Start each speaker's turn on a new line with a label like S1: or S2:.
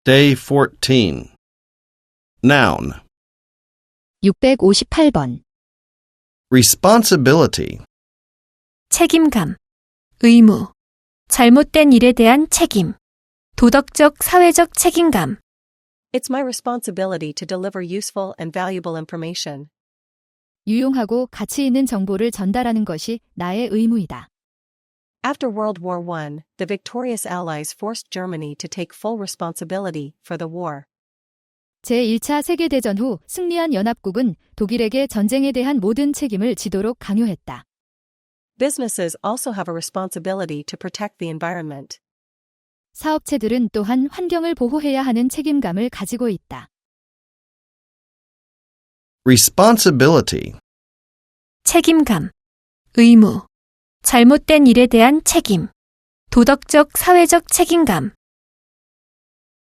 S1: Day 14. Noun.
S2: 658번.
S1: Responsibility.
S3: 책임감, 의무, 잘못된 일에 대한 책임, 도덕적, 사회적 책임감.
S4: It's my responsibility to deliver useful and valuable information.
S2: 유용하고 가치 있는 정보를 전달하는 것이 나의 의무이다.
S4: After World War I, the victorious Allies forced Germany to take full responsibility for the war.
S2: 제1차 세계대전 후 승리한 연합국은 독일에게 전쟁에 대한 모든 책임을 지도록 강요했다.
S4: Businesses also have a responsibility to protect the environment.
S2: 사업체들은 또한 환경을 보호해야 하는 책임감을 가지고 있다.
S1: Responsibility.
S3: 책임감, 의무, 잘못된 일에 대한 책임, 도덕적, 사회적 책임감.